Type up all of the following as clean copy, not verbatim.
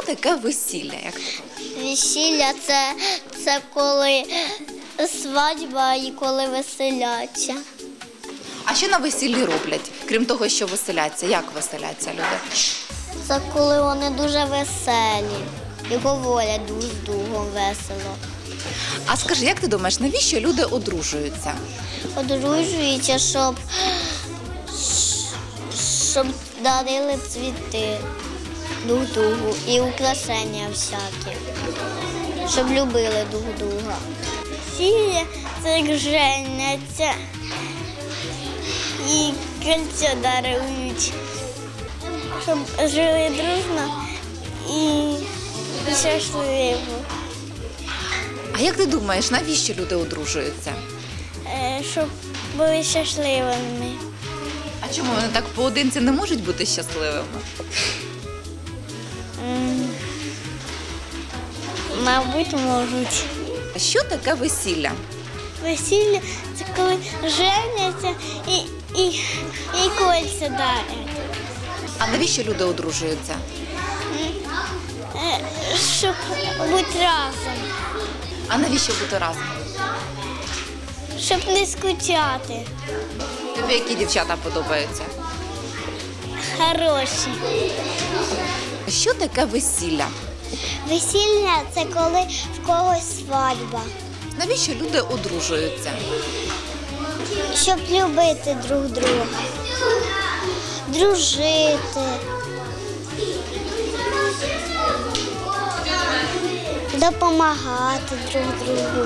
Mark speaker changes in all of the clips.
Speaker 1: таке весілля? Як ти думаєш?
Speaker 2: Весілля це коли свадьба і коли веселяться.
Speaker 1: А що на весіллі роблять, крім того, що веселяться? Як веселяться люди?
Speaker 2: Це коли вони дуже веселі і говорять друг з другом весело.
Speaker 1: А скажи, як ти думаєш, навіщо люди одружуються?
Speaker 2: Одружуються, щоб дарили цвіти друг другу і украшення всякі, щоб любили друг друга. Весілля – це як женяться і кольцо дарують, щоб жили дружно і щасливо.
Speaker 1: А як ти думаєш, навіщо люди одружуються?
Speaker 2: Щоб були щасливими.
Speaker 1: А чому вони так поодинці не можуть бути щасливими?
Speaker 2: Мабуть, можуть.
Speaker 1: А що таке весілля?
Speaker 2: Весілля – це коли женяться і кольця дарять.
Speaker 1: А навіщо люди одружуються?
Speaker 2: Щоб бути разом,
Speaker 1: А навіщо бути разом?
Speaker 2: щоб не скучати.
Speaker 1: Тобі які дівчата подобаються?
Speaker 2: Хороші.
Speaker 1: А що таке весілля?
Speaker 2: Весілля – це коли в когось свадьба.
Speaker 1: Навіщо люди одружуються?
Speaker 2: Щоб любити друг друга, дружити, допомагати друг другу,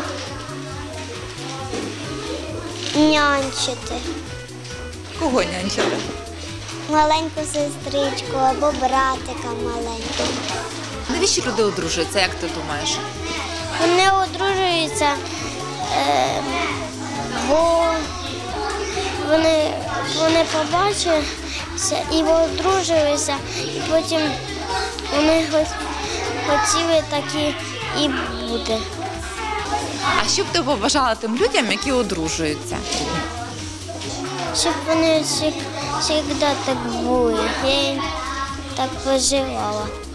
Speaker 2: нянчити
Speaker 1: Кого нянчити?
Speaker 2: маленьку сестричку або братика маленького.
Speaker 1: Навіщо люди одружуються, як ти думаєш?
Speaker 2: Вони одружуються, бо вони побачилися і одружуються, і потім вони хотіли такі і бути.
Speaker 1: А що б ти побажала тим людям, які одружуються?
Speaker 2: Щоб вони завжди так були. Я їм так пожелала.